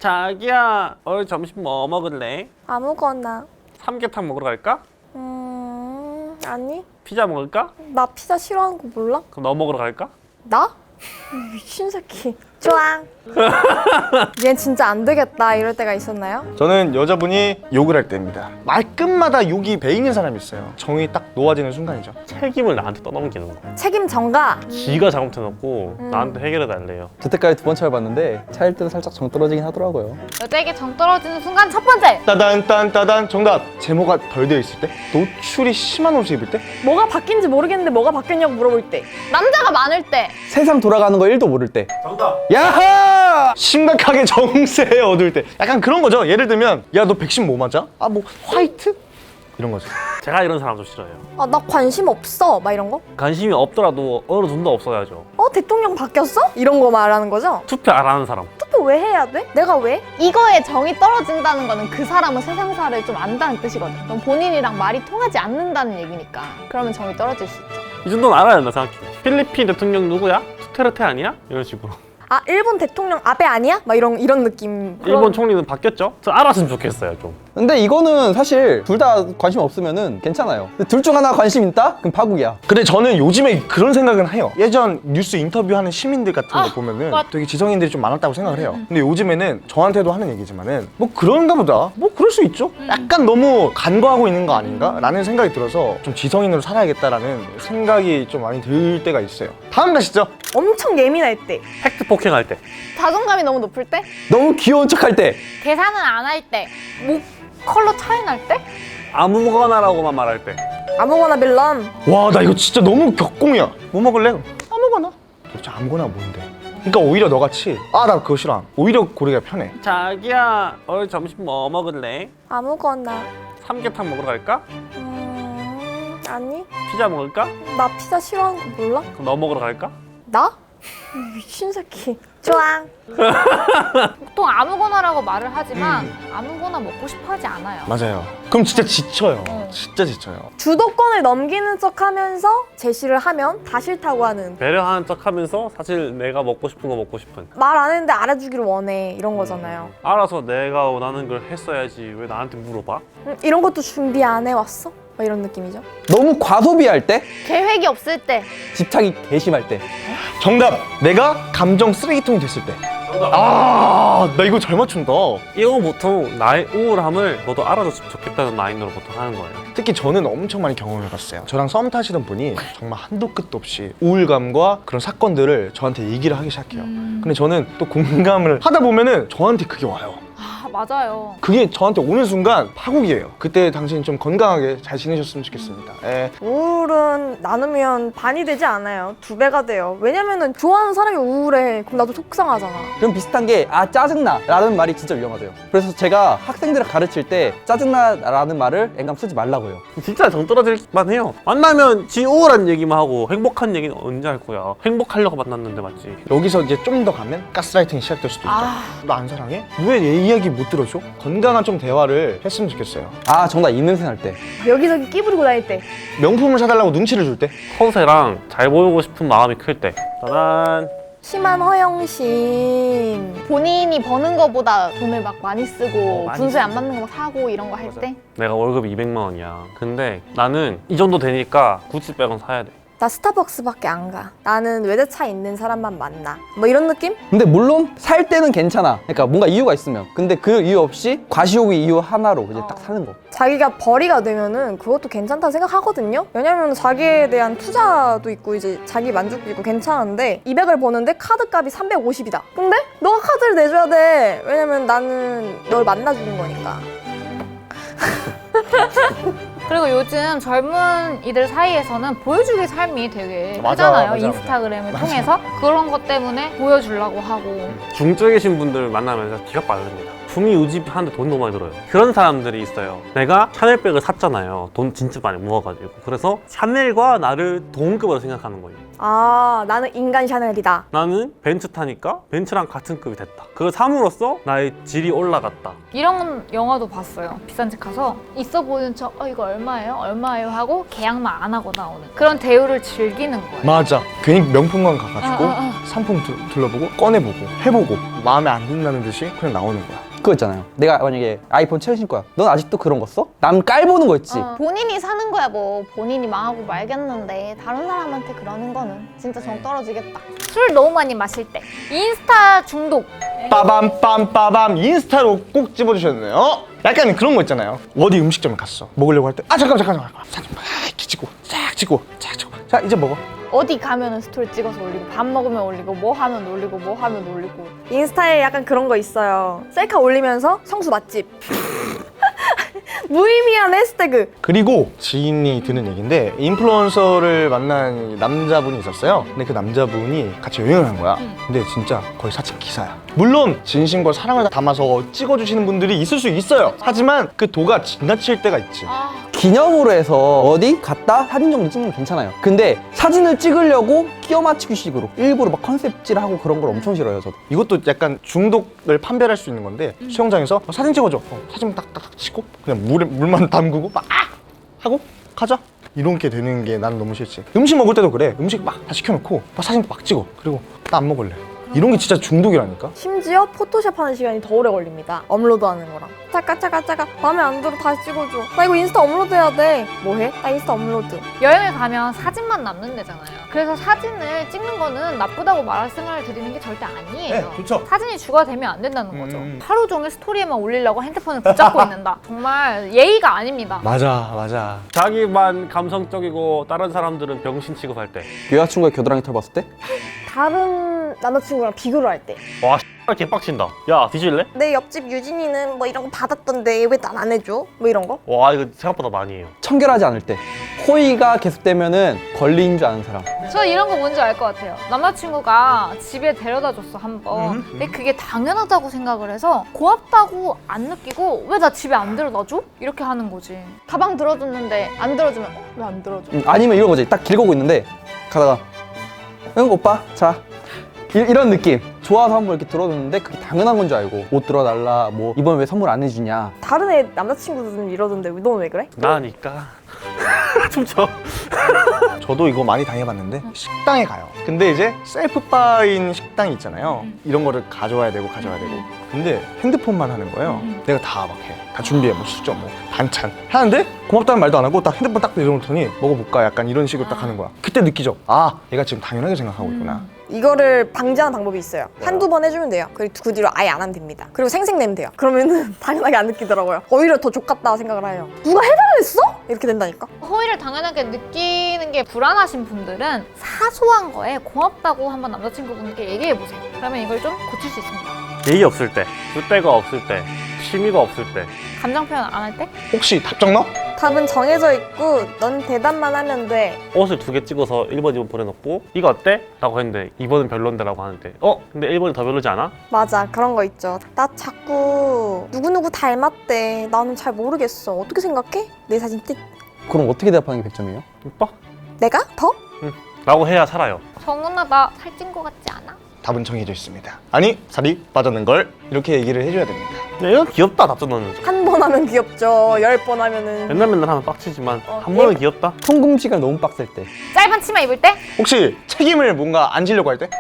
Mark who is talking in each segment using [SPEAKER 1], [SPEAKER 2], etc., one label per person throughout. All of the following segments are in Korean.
[SPEAKER 1] 자기야, 오늘 점심 뭐 먹을래?
[SPEAKER 2] 아무거나.
[SPEAKER 1] 삼계탕 먹으러 갈까?
[SPEAKER 2] 아니.
[SPEAKER 1] 피자 먹을까?
[SPEAKER 2] 나 피자 싫어하는 거 몰라?
[SPEAKER 1] 그럼 너 먹으러 갈까?
[SPEAKER 2] 나? 미친 새끼. 좋아. 얘 진짜 안 되겠다 이럴 때가 있었나요?
[SPEAKER 3] 저는 여자분이 욕을 할 때입니다. 말끝마다 욕이 배이는 사람이 있어요. 정이 딱 놓아지는 순간이죠.
[SPEAKER 1] 책임을 나한테 떠넘기는 거.
[SPEAKER 2] 책임 전가.
[SPEAKER 1] 지가 잘못해놓고 나한테 해결해 달래요.
[SPEAKER 4] 여태까지 두 번 차여봤는데 차일 때는 살짝 정 떨어지긴 하더라고요.
[SPEAKER 5] 여자에게 정 떨어지는 순간 첫 번째!
[SPEAKER 3] 따단 딴따단 정답. 제모가 덜 되어 있을 때, 노출이 심한 옷을 입을 때,
[SPEAKER 2] 뭐가 바뀐지 모르겠는데 뭐가 바뀌었냐고 물어볼 때.
[SPEAKER 5] 남자가 많을 때!
[SPEAKER 4] 세상 돌아가는 거 1도 모를 때.
[SPEAKER 1] 정답!
[SPEAKER 4] 야하!
[SPEAKER 3] 심각하게 정세에 얻을 때, 약간 그런 거죠. 예를 들면 야 너 백신 뭐 맞아? 아 뭐 화이트? 이런 거죠.
[SPEAKER 1] 제가 이런 사람 좀 싫어해요.
[SPEAKER 2] 아, 나 관심 없어. 막 이런 거?
[SPEAKER 1] 관심이 없더라도 어느 정도 없어야죠.
[SPEAKER 2] 대통령 바뀌었어? 이런 거 말하는 거죠?
[SPEAKER 1] 투표 안 하는 사람.
[SPEAKER 2] 투표 왜 해야 돼? 내가 왜?
[SPEAKER 5] 이거에 정이 떨어진다는 거는 그 사람은 세상사를 좀 안다는 뜻이거든. 그럼 본인이랑 말이 통하지 않는다는 얘기니까. 그러면 정이 떨어질 수 있죠.
[SPEAKER 1] 이 정도는 알아야 된다 생각해. 필리핀 대통령 누구야? 투테르테 아니야? 이런 식으로.
[SPEAKER 2] 아, 일본 대통령 아베 아니야? 막 이런 느낌.
[SPEAKER 1] 일본 총리는 바뀌었죠? 저 알았으면 좋겠어요 좀.
[SPEAKER 4] 근데 이거는 사실 둘 다 관심 없으면은 괜찮아요. 근데 둘 중 하나 관심 있다? 그럼 파국이야.
[SPEAKER 3] 근데 저는 요즘에 그런 생각은 해요. 예전 뉴스 인터뷰하는 시민들 같은 거 보면은
[SPEAKER 5] 맞-
[SPEAKER 3] 되게 지성인들이 좀 많았다고 생각을 해요. 근데 요즘에는 저한테도 하는 얘기지만은 뭐 그런가 보다. 뭐 그럴 수 있죠. 약간 너무 간과하고 있는 거 아닌가? 라는 생각이 들어서 좀 지성인으로 살아야겠다라는 생각이 좀 많이 들 때가 있어요. 다음 가시죠.
[SPEAKER 2] 엄청 예민할 때.
[SPEAKER 1] 팩트 폭행할 때.
[SPEAKER 5] 자존감이 너무 높을 때?
[SPEAKER 4] 너무 귀여운 척 할 때.
[SPEAKER 5] 계산은 안 할 때? 목 컬러 차이 날 때?
[SPEAKER 1] 아무거나라고만 말할 때.
[SPEAKER 2] 아무거나 빌런.
[SPEAKER 3] 와 나 이거 진짜 너무 격공이야. 뭐 먹을래?
[SPEAKER 5] 아무거나.
[SPEAKER 3] 도대체 아무거나 뭔데? 그러니까 오히려 너같이 아 나 그거 싫어. 오히려 고르기가 편해.
[SPEAKER 1] 자기야, 오늘 점심 뭐 먹을래?
[SPEAKER 2] 아무거나.
[SPEAKER 1] 삼계탕 먹으러 갈까?
[SPEAKER 2] 아니.
[SPEAKER 1] 피자 먹을까?
[SPEAKER 2] 나 피자 싫어하는 거 몰라?
[SPEAKER 1] 그럼 너 먹으러 갈까?
[SPEAKER 2] 나? 미친 새끼. 좋아.
[SPEAKER 5] 보통 아무거나라고 말을 하지만 아무거나 먹고 싶어 하지 않아요.
[SPEAKER 3] 맞아요. 그럼 진짜 지쳐요.
[SPEAKER 5] 어.
[SPEAKER 3] 진짜 지쳐요.
[SPEAKER 2] 주도권을 넘기는 척 하면서 제시를 하면 다 싫다고 하는.
[SPEAKER 1] 배려하는 척 하면서 사실 내가 먹고 싶은 거 먹고 싶은.
[SPEAKER 2] 말 안 했는데 알아주기를 원해. 이런 거잖아요.
[SPEAKER 1] 알아서 내가 원하는 걸 했어야지 왜 나한테 물어봐?
[SPEAKER 2] 이런 것도 준비 안 해왔어? 막 이런 느낌이죠.
[SPEAKER 4] 너무 과소비할 때.
[SPEAKER 5] 계획이 없을 때.
[SPEAKER 4] 집착이 개심할 때.
[SPEAKER 3] 정답. 내가 감정 쓰레기통이 됐을 때. 아, 나 이거 잘 맞춘다.
[SPEAKER 1] 이건 보통 나의 우울함을 너도 알아줬으면 좋겠다는 마인드로 보통 하는 거예요.
[SPEAKER 3] 특히 저는 엄청 많이 경험을 해봤어요. 저랑 썸 타시던 분이 정말 한도 끝도 없이 우울감과 그런 사건들을 저한테 얘기를 하기 시작해요. 근데 저는 또 공감을 하다 보면은 저한테 그게 와요.
[SPEAKER 5] 아, 맞아요.
[SPEAKER 3] 그게 저한테 오는 순간 파국이에요. 그때 당신 좀 건강하게 잘 지내셨으면 좋겠습니다. 예.
[SPEAKER 2] 우울은 나누면 반이 되지 않아요. 2배가 돼요. 왜냐면은 좋아하는 사람이 우울해. 그럼 나도 속상하잖아.
[SPEAKER 4] 그럼 비슷한 게 짜증나 라는 말이 진짜 위험하대요. 그래서 제가 학생들을 가르칠 때 짜증나 라는 말을 앵감 쓰지 말라고 해요.
[SPEAKER 1] 진짜 정 떨어질 만해요. 만나면 지 우울한 얘기만 하고 행복한 얘기는 언제 할 거야? 행복하려고 만났는데 맞지?
[SPEAKER 3] 여기서 이제 좀 더 가면 가스라이팅이 시작될 수도 있죠.
[SPEAKER 5] 아.
[SPEAKER 3] 너 안 사랑해? 왜 내 이야기 못 들어줘? 건강한 좀 대화를 했으면 좋겠어요.
[SPEAKER 4] 아 정답 이 냄새 날 때.
[SPEAKER 2] 여기저기 끼부리고 다닐 때.
[SPEAKER 3] 명품을 사달라고 눈치를 줄 때.
[SPEAKER 1] 허세랑 잘 보이고 싶은 마음이 클 때. 짜잔.
[SPEAKER 2] 심한 허영심.
[SPEAKER 5] 본인이 버는 거보다 돈을 막 많이 쓰고
[SPEAKER 1] 많이
[SPEAKER 5] 분수에 안 맞는 거 막 사고 이런 거 할 때?
[SPEAKER 1] 내가 월급이 200만 원이야. 근데 나는 이 정도 되니까 구찌백은 사야 돼.
[SPEAKER 2] 나 스타벅스밖에 안 가. 나는 외제차 있는 사람만 만나. 뭐 이런 느낌?
[SPEAKER 4] 근데 물론 살 때는 괜찮아. 그러니까 뭔가 이유가 있으면. 근데 그 이유 없이 과시욕의 이유 하나로 이제 딱 사는 거.
[SPEAKER 2] 자기가 벌이가 되면은 그것도 괜찮다 생각하거든요. 왜냐면 자기에 대한 투자도 있고 이제 자기 만족도 있고 괜찮은데 200을 버는데 카드 값이 350이다. 근데 너가 카드를 내줘야 돼. 왜냐면 나는 널 만나주는 거니까.
[SPEAKER 5] 그리고 요즘 젊은 이들 사이에서는 보여주기 삶이 되게
[SPEAKER 3] 맞아,
[SPEAKER 5] 크잖아요.
[SPEAKER 3] 맞아,
[SPEAKER 5] 인스타그램을 통해서 그런 것 때문에 보여주려고 하고.
[SPEAKER 1] 중증이신 분들 만나면 기가 빠릅니다. 품위 유지하는데 돈이 너무 많이 들어요. 그런 사람들이 있어요. 내가 샤넬백을 샀잖아요. 돈 진짜 많이 모아가지고. 그래서 샤넬과 나를 동급으로 생각하는 거예요.
[SPEAKER 2] 아, 나는 인간 샤넬이다.
[SPEAKER 1] 나는 벤츠 타니까 벤츠랑 같은 급이 됐다. 그걸 삼으로써 나의 질이 올라갔다.
[SPEAKER 5] 이런 영화도 봤어요. 비싼 집 가서 있어 보이는 척 이거
[SPEAKER 6] 얼마예요? 얼마예요? 하고 계약만 안 하고 나오는 그런 대우를 즐기는 거예요.
[SPEAKER 3] 맞아. 괜히 명품관 가가지고
[SPEAKER 6] 어.
[SPEAKER 3] 상품 둘러보고 꺼내보고 해보고 마음에 안 든다는 듯이 그냥 나오는 거야.
[SPEAKER 4] 그거 있잖아요. 내가 만약에 아이폰 최신 거야. 넌 아직도 그런 거 써? 남 깔보는 거 있지?
[SPEAKER 5] 본인이 사는 거야 뭐. 본인이 망하고 말겠는데 다른 사람한테 그러는 거는 진짜 정 떨어지겠다.
[SPEAKER 6] 술 너무 많이 마실 때 인스타 중독.
[SPEAKER 3] 빠밤 인스타로 꼭 집어주셨네요. 약간 그런 거 있잖아요. 어디 음식점에 갔어. 먹으려고 할 때 잠깐 사진 막 이렇게 찍고 쫙 찍고 자 이제 먹어.
[SPEAKER 5] 어디 가면은 스토리 찍어서 올리고 밥 먹으면 올리고 뭐 하면 올리고 뭐 하면 올리고.
[SPEAKER 2] 인스타에 약간 그런 거 있어요. 셀카 올리면서 성수 맛집. 무의미한 해시태그.
[SPEAKER 3] 그리고 지인이 드는 얘기인데 인플루언서를 만난 남자분이 있었어요. 근데 그 남자분이 같이 여행을 한 거야. 근데 진짜 거의 사칭 기사야. 물론 진심과 사랑을 담아서 찍어주시는 분들이 있을 수 있어요. 하지만 그 도가 지나칠 때가 있지.
[SPEAKER 4] 기념으로 해서 어디 갔다 사진 정도 찍는 건 괜찮아요. 근데 사진을 찍으려고 끼워 맞추기 식으로 일부러 막 컨셉질하고 그런 걸 엄청 싫어해요, 저도.
[SPEAKER 3] 이것도 약간 중독을 판별할 수 있는 건데 수영장에서 사진 찍어줘. 사진 딱딱 찍고 그냥 물만 담그고 막 하고 가자. 이렇게 되는 게 난 너무 싫지. 음식 먹을 때도 그래. 음식 막 다 시켜놓고 막 사진 막 찍어. 그리고 나 안 먹을래. 이런 게 진짜 중독이라니까.
[SPEAKER 2] 심지어 포토샵 하는 시간이 더 오래 걸립니다. 업로드 하는 거랑. 짜까 마음에 안 들어 다시 찍어줘. 나 이거 인스타 업로드 해야 돼. 뭐해? 나 인스타 업로드.
[SPEAKER 6] 여행을 가면 사진만 남는 데잖아요. 그래서 사진을 찍는 거는 나쁘다고 말씀을 드리는 게 절대 아니에요.
[SPEAKER 3] 좋죠.
[SPEAKER 6] 사진이 주가 되면 안 된다는 거죠. 하루 종일 스토리에만 올리려고 핸드폰을 붙잡고 있는다. 정말 예의가 아닙니다.
[SPEAKER 3] 맞아.
[SPEAKER 1] 자기만 감성적이고 다른 사람들은 병신 취급할 때.
[SPEAKER 4] 여자친구의 겨드랑이 털 봤을 때?
[SPEAKER 2] 다른 남자친구랑 비교를 할 때.
[SPEAKER 1] 와 X발 개빡친다. 야 뒤질래?
[SPEAKER 2] 내 옆집 유진이는 뭐 이런 거 받았던데 왜 난 안 해줘? 뭐 이런 거?
[SPEAKER 1] 와 이거 생각보다 많이 해요.
[SPEAKER 4] 청결하지 않을 때. 호의가 계속되면은 권리인 줄 아는 사람.
[SPEAKER 6] 저 이런 거 뭔지 알 것 같아요. 남자친구가 집에 데려다 줬어, 한 번. 근데 그게 당연하다고 생각을 해서 고맙다고 안 느끼고 왜 나 집에 안 데려다 줘? 이렇게 하는 거지.
[SPEAKER 5] 가방 들어줬는데 안 들어주면 왜 안 들어줘?
[SPEAKER 4] 아니면 이런 거지. 딱 길 가고 있는데 가다가 응 오빠 자 이런 느낌. 좋아서 한번 이렇게 들어줬는데 그게 당연한 건 줄 알고 옷 들어달라 뭐 이번 왜 선물 안 해주냐.
[SPEAKER 2] 다른 애 남자친구들은 이러던데 너는 왜 그래?
[SPEAKER 1] 나니까 춤춰.
[SPEAKER 3] 저도 이거 많이 당해봤는데 식당에 가요. 근데 이제 셀프바인 식당이 있잖아요. 이런 거를 가져와야 되고 근데 핸드폰만 하는 거예요. 내가 다 막 해. 다 준비해. 뭐 수저 뭐 반찬 하는데 고맙다는 말도 안 하고 딱 핸드폰 딱 내려놓더니 먹어볼까 약간 이런 식으로 딱 하는 거야. 그때 느끼죠. 아 얘가 지금 당연하게 생각하고 있구나.
[SPEAKER 2] 이거를 방지하는 방법이 있어요. 한두 번 해주면 돼요. 그리고 그 뒤로 아예 안 하면 됩니다. 그리고 생색내면 돼요. 그러면은 당연하게 안 느끼더라고요. 오히려 더 족같다 생각을 해요. 누가 해달랬어? 이렇게 된다니까.
[SPEAKER 6] 호의를 당연하게 느끼는 게 불안하신 분들은 사소한 거에 고맙다고 한번 남자친구분께 얘기해보세요. 그러면 이걸 좀 고칠 수 있습니다.
[SPEAKER 1] 예의 없을 때, 줏대가 없을 때, 취미가 없을 때.
[SPEAKER 6] 감정 표현 안 할 때?
[SPEAKER 3] 혹시 답정 넣어?
[SPEAKER 2] 답은 정해져 있고 넌 대답만 하면 돼.
[SPEAKER 1] 옷을 2개 찍어서 1번, 2번 보내놓고 이거 어때? 라고 했는데 2번은 별론데 라고 하는데 근데 1번이 더 별로지 않아?
[SPEAKER 2] 맞아, 그런 거 있죠. 나 자꾸 누구누구 닮았대. 나는 잘 모르겠어. 어떻게 생각해? 내 사진 띡.
[SPEAKER 4] 그럼 어떻게 대답하는 게 100점이에요?
[SPEAKER 1] 이뻐?
[SPEAKER 2] 내가? 더?
[SPEAKER 1] 라고 해야 살아요.
[SPEAKER 6] 정은아 나 살찐 거 같지 않아?
[SPEAKER 3] 답은 정해져 있습니다. 아니 살이 빠졌는 걸 이렇게 얘기를 해줘야 됩니다.
[SPEAKER 1] 근데 이건 귀엽다 답장 넣는 거.
[SPEAKER 2] 한 번 하면 귀엽죠. 10번 하면은.
[SPEAKER 1] 맨날 하면 빡치지만 한 번은 귀엽다.
[SPEAKER 4] 통금 시간 너무 빡셀 때.
[SPEAKER 6] 짧은 치마 입을 때?
[SPEAKER 3] 혹시 책임을 뭔가 안 지려고 할 때?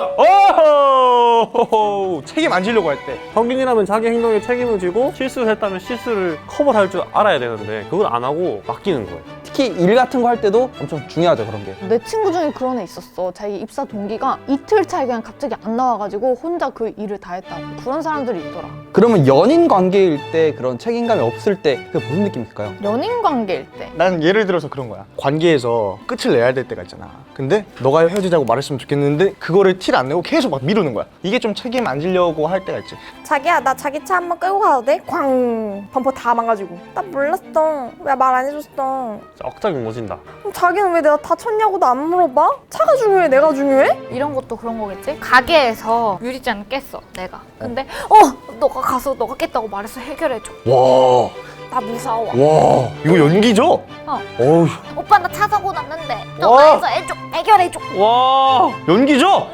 [SPEAKER 3] 오! 책임 안 지려고 할 때.
[SPEAKER 1] 성인이라면 자기 행동에 책임을 지고 실수를 했다면 실수를 커버할 줄 알아야 되는데 그걸 안 하고 맡기는 거예요.
[SPEAKER 4] 특히 일 같은 거 할 때도 엄청 중요하죠, 그런 게.
[SPEAKER 5] 내 친구 중에 그런 애 있었어. 자기 입사 동기가 이틀 차에 그냥 갑자기 안 나와가지고 혼자 그 일을 다 했다고. 그런 사람들이 있더라.
[SPEAKER 4] 그러면 연인 관계일 때 그런 책임감이 없을 때 그게 무슨 느낌일까요?
[SPEAKER 5] 연인 관계일 때.
[SPEAKER 3] 난 예를 들어서 그런 거야. 관계에서 끝을 내야 될 때가 있잖아. 근데 너가 헤어지자고 말했으면 좋겠는데 그거를 티를 안 내고 계속 막 미루는 거야. 이게 좀 책임 안 지려고 할 때가 있지.
[SPEAKER 2] 자기야, 나 자기 차 한번 끌고 가도 돼? 꽝! 범퍼 다 망가지고. 나 몰랐어. 왜 말 안 해줬어?
[SPEAKER 1] 진짜 억장이 무너진다.
[SPEAKER 2] 그럼 자기는 왜 내가 다쳤냐고도 안 물어봐? 차가 중요해? 내가 중요해?
[SPEAKER 6] 이런 것도 그런 거겠지? 가게에서 유리잔 깼어 내가. 근데 너가 가서 너가 깼다고 말해서 해결해줘.
[SPEAKER 3] 와,
[SPEAKER 6] 나 무서워.
[SPEAKER 3] 와, 이거 연기죠? 어우,
[SPEAKER 6] 오빠 나 차 사고 났는데
[SPEAKER 3] 와.
[SPEAKER 6] 너가 해서 해줘. 해결해줘.
[SPEAKER 1] 와.
[SPEAKER 3] 연기죠? 와.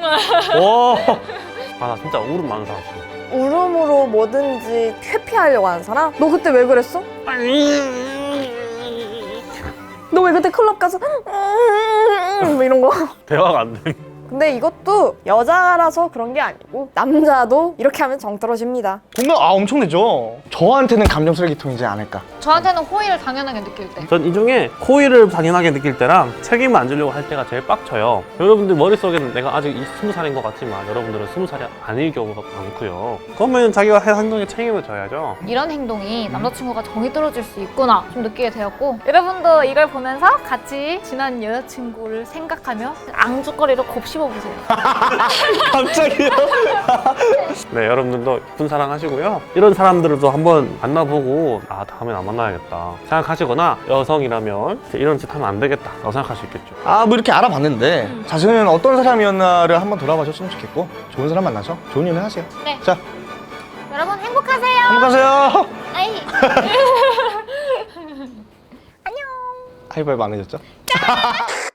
[SPEAKER 1] 아 나 진짜 울음 많은 사람 싫어.
[SPEAKER 2] 울음으로 뭐든지 회피하려고 하는 사람? 너 그때 왜 그랬어? 너 왜 그때 클럽 가서 뭐 이런 거.
[SPEAKER 1] 대화가 안 돼.
[SPEAKER 2] 근데 이것도 여자라서 그런 게 아니고 남자도 이렇게 하면 정 떨어집니다.
[SPEAKER 3] 공감 엄청 내죠. 저한테는 감정 쓰레기통이지 않을까.
[SPEAKER 6] 저한테는 호의를 당연하게 느낄 때.
[SPEAKER 1] 전 이 중에 호의를 당연하게 느낄 때랑 책임을 안 지려고 할 때가 제일 빡쳐요. 여러분들 머릿속에는 내가 아직 20살인 것 같지만 여러분들은 20살이 아닐 경우가 많고요. 그러면 자기가 할 행동에 책임을 져야죠.
[SPEAKER 6] 이런 행동이 남자친구가 정이 떨어질 수 있구나 좀 느끼게 되었고, 여러분도 이걸 보면서 같이 지난 여자친구를 생각하며 앙죽거리로 곱씹어보세요.
[SPEAKER 3] 갑자기요?
[SPEAKER 1] 네, 여러분들도 이쁜 사랑 하시고요. 이런 사람들도 한번 만나보고 아, 다음엔 안 만나야겠다 생각하시거나, 여성이라면 이런 짓 하면 안 되겠다 라고 생각할 수 있겠죠.
[SPEAKER 3] 아, 뭐 이렇게 알아봤는데 자신은 어떤 사람이었나를 한번 돌아봐줬으면 좋겠고, 좋은 사람 만나서 좋은 일 하세요.
[SPEAKER 6] 네.
[SPEAKER 3] 자,
[SPEAKER 6] 여러분 행복하세요.
[SPEAKER 3] 행복하세요.
[SPEAKER 6] 아이.
[SPEAKER 3] 하이파이브 안 해줬죠?